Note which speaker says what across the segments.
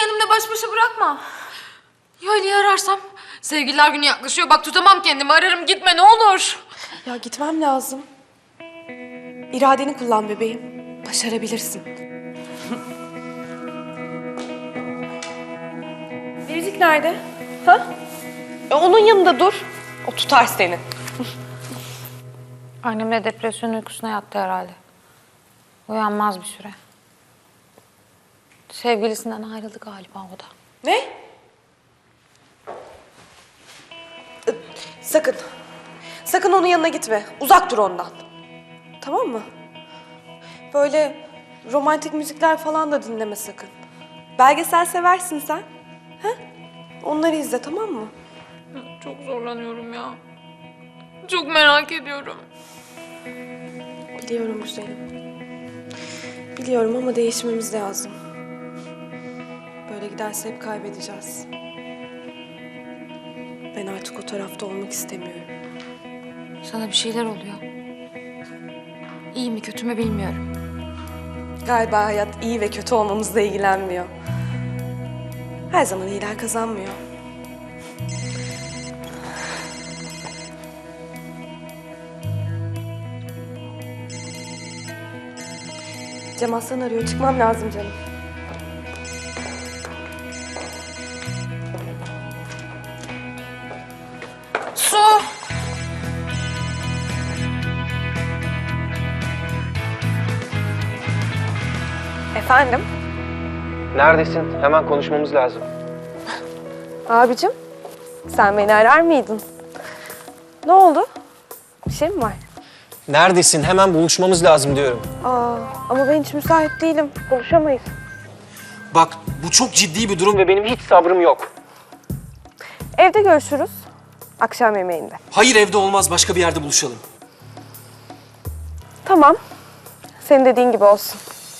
Speaker 1: kendimle baş başa bırakma. Ya Ali'yi ararsam? Sevgililer günü yaklaşıyor. Bak tutamam kendimi. Ararım gitme ne olur.
Speaker 2: Ya gitmem lazım. İradeni kullan bebeğim. Başarabilirsin. Biricik nerede? Ha? Onun yanında dur. O tutar seni.
Speaker 3: Annemle depresyon uykusuna yattı herhalde. Uyanmaz bir süre. Sevgilisinden ayrıldı galiba o da.
Speaker 2: Ne? Sakın. Sakın onun yanına gitme. Uzak dur ondan. Tamam mı? Böyle romantik müzikler falan da dinleme sakın. Belgesel seversin sen. Ha? Onları izle, tamam mı?
Speaker 1: Çok zorlanıyorum ya. Çok merak ediyorum.
Speaker 2: Biliyorum güzelim. Biliyorum ama değişmemiz lazım. Böyle giderse hep kaybedeceğiz. Ben artık o tarafta olmak istemiyorum.
Speaker 1: Sana bir şeyler oluyor. İyi mi kötü mü bilmiyorum.
Speaker 2: Galiba hayat iyi ve kötü olmamızla ilgilenmiyor. Her zaman iyiler kazanmıyor. Cem Aslan arıyor. Çıkmam lazım canım.
Speaker 1: Su!
Speaker 2: Efendim?
Speaker 4: Neredesin? Hemen konuşmamız lazım.
Speaker 2: Abicim, sen beni arar mıydın? Ne oldu? Bir şey mi var?
Speaker 4: Neredesin? Hemen buluşmamız lazım diyorum.
Speaker 2: Ama ben hiç müsait değilim. Buluşamayız.
Speaker 4: Bak, bu çok ciddi bir durum ve benim hiç sabrım yok.
Speaker 2: Evde görüşürüz. Akşam yemeğinde.
Speaker 4: Hayır, evde olmaz. Başka bir yerde buluşalım.
Speaker 2: Tamam. Senin dediğin gibi olsun.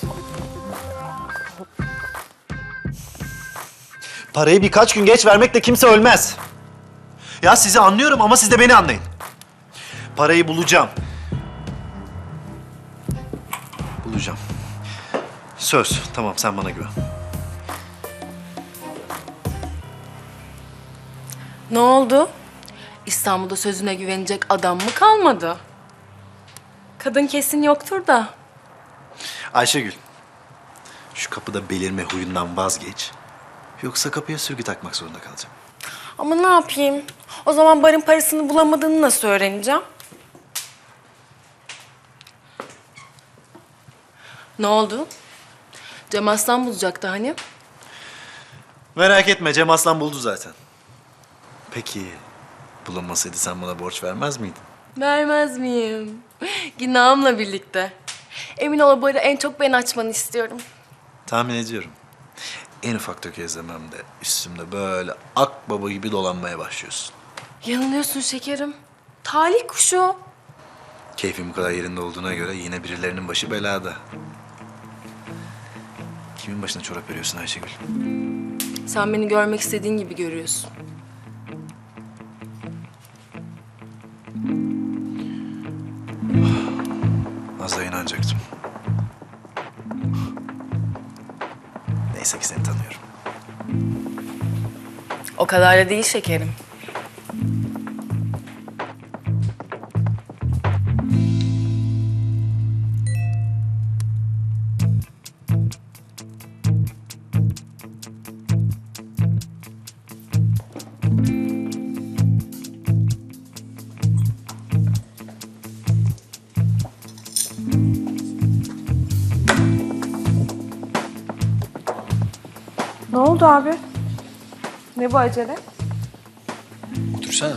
Speaker 5: Parayı birkaç gün geç vermekle kimse ölmez. Ya sizi anlıyorum ama siz de beni anlayın. Parayı bulacağım. Bulacağım. Söz. Tamam, sen bana güven.
Speaker 6: Ne oldu? İstanbul'da sözüne güvenecek adam mı kalmadı? Kadın kesin yoktur da.
Speaker 5: Ayşegül, şu kapıda belirme huyundan vazgeç. Yoksa kapıya sürgü takmak zorunda kalacağım.
Speaker 6: Ama ne yapayım? O zaman barın parasını bulamadığını nasıl öğreneceğim? Ne oldu? Cem Aslan bulacaktı hani.
Speaker 5: Merak etme, Cem Aslan buldu zaten. Peki, bulunmasaydı sen bana borç vermez miydin?
Speaker 6: Vermez miyim? Günahımla birlikte. Emin ol o barı en çok ben açmanı istiyorum.
Speaker 5: Tahmin ediyorum. En ufak tökezlememde üstümde böyle akbaba gibi dolanmaya başlıyorsun.
Speaker 6: Yanılıyorsun şekerim. Talih kuşu.
Speaker 5: Keyfim bu kadar yerinde olduğuna göre yine birilerinin başı belada. Kimin başına çorap örüyorsun Ayşegül?
Speaker 6: Sen beni görmek istediğin gibi görüyorsun.
Speaker 5: Az da inanacaktım. Neyse ki seni tanıyorum.
Speaker 6: O kadar da değil şekerim.
Speaker 2: Ne oldu abi? Ne bu acele?
Speaker 4: Otursana.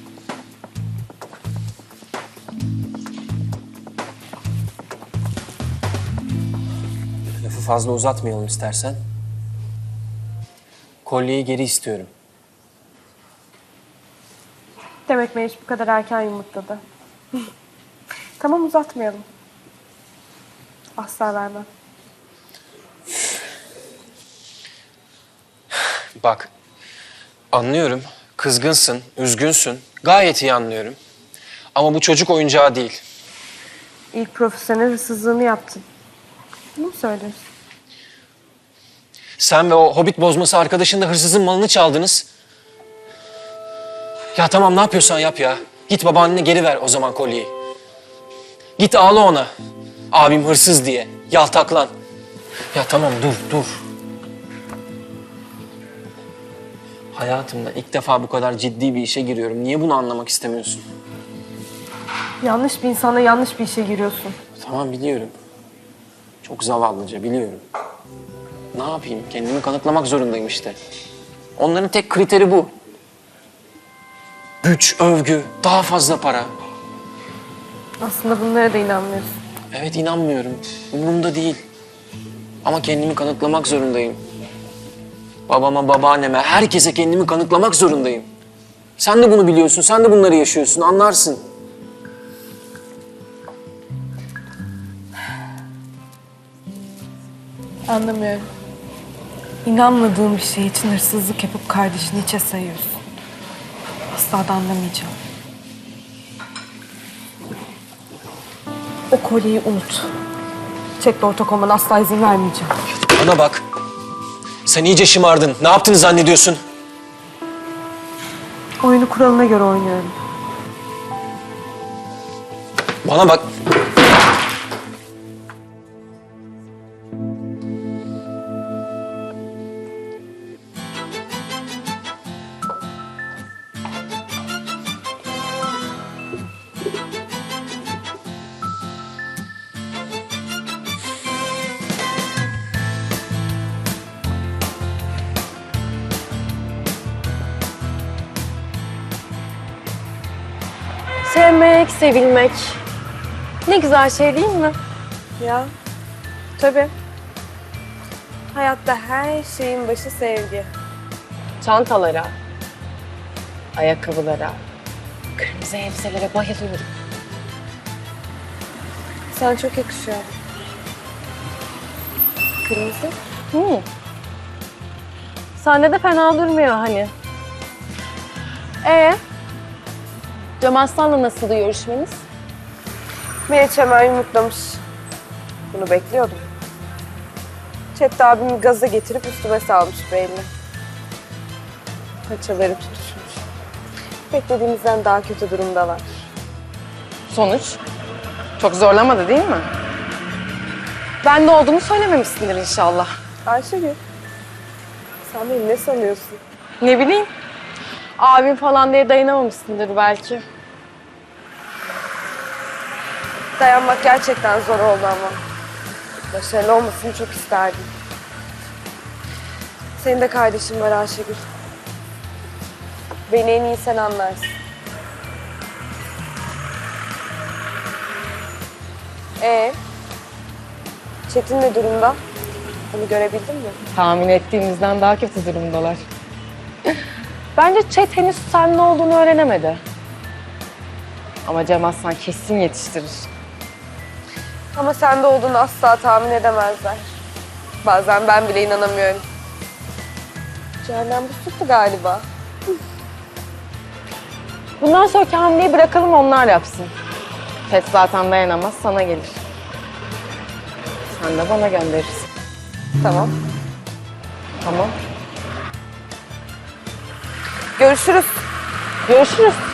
Speaker 4: Lafı fazla uzatmayalım istersen. Kolyeyi geri istiyorum.
Speaker 2: Demek Meriç bu kadar erken yumurtladı. Tamam, uzatmayalım. Asla vermem.
Speaker 4: Bak, anlıyorum. Kızgınsın, üzgünsün. Gayet iyi anlıyorum. Ama bu çocuk oyuncağı değil.
Speaker 2: İlk profesyonel hırsızlığını yaptın. Bunu mu söylüyorsun?
Speaker 4: Sen ve o hobbit bozması arkadaşın da hırsızın malını çaldınız. Ya tamam ne yapıyorsan yap ya. Git babaannene geri ver o zaman kolyeyi. Git ağla ona. Abim hırsız diye. Yaltaklan. Ya tamam dur. Hayatımda ilk defa bu kadar ciddi bir işe giriyorum. Niye bunu anlamak istemiyorsun?
Speaker 2: Yanlış bir insana yanlış bir işe giriyorsun.
Speaker 4: Tamam biliyorum. Çok zavallıca biliyorum. Ne yapayım? Kendimi kanıtlamak zorundayım işte. Onların tek kriteri bu. Güç, övgü, daha fazla para.
Speaker 2: Aslında bunlara da inanmıyorsun.
Speaker 4: Evet inanmıyorum. Umurumda değil. Ama kendimi kanıtlamak zorundayım. Babama, babaanneme, herkese kendimi kanıtlamak zorundayım. Sen de bunu biliyorsun, sen de bunları yaşıyorsun, anlarsın.
Speaker 2: Anlamıyorum. İnanmadığın bir şey için hırsızlık yapıp kardeşini içe sayıyorsun. Asla da anlamayacağım. O kolyeyi unut. Çekle ortak olmana asla izin vermeyeceğim.
Speaker 4: Bana bak. Sen iyice şımardın. Ne yaptığını zannediyorsun?
Speaker 2: Oyunu kuralına göre oynuyorum.
Speaker 4: Bana bak.
Speaker 6: Sevmek, sevilmek. Ne güzel şey değil mi?
Speaker 2: Ya, tabii. Hayatta her şeyin başı sevgi.
Speaker 6: Çantalara, ayakkabılara, kırmızı elbiselere bayılıyorum.
Speaker 2: Sana çok yakışıyor. Kırmızı.
Speaker 6: Sende de fena durmuyor hani. Cem Aslan'la nasıldı görüşmeniz?
Speaker 2: Meriç hemen yumurtlamış. Bunu bekliyordum. Çetin abimi gaza getirip üstüme salmış belli. Paçaları tutuşmuş. Beklediğimizden daha kötü durumdalar.
Speaker 6: Sonuç? Çok zorlamadı değil mi? Ben de olduğunu söylememişsindir inşallah.
Speaker 2: Ayşegül, sen beni ne sanıyorsun?
Speaker 6: Ne bileyim. Abim falan diye dayanamamışsındır belki.
Speaker 2: Dayanmak gerçekten zor oldu ama. Başarılı olmasını çok isterdim. Senin de kardeşin var Ayşegül. Beni en iyi sen anlarsın. Çetin ne durumda? Onu görebildin mi?
Speaker 6: Tahmin ettiğimizden daha kötü durumdalar. Bence Çet henüz sen ne olduğunu öğrenemedi. Ama Cem Aslan kesin yetiştirir.
Speaker 2: Ama sende olduğunu asla tahmin edemezler. Bazen ben bile inanamıyorum. Cehennem bu tuttu galiba.
Speaker 6: Bundan sonraki hamleyi bırakalım onlar yapsın. Çet zaten dayanamaz sana gelir. Sen de bana gönderirsin.
Speaker 2: Tamam.
Speaker 6: Tamam.
Speaker 2: Görüşürüz.
Speaker 6: Görüşürüz.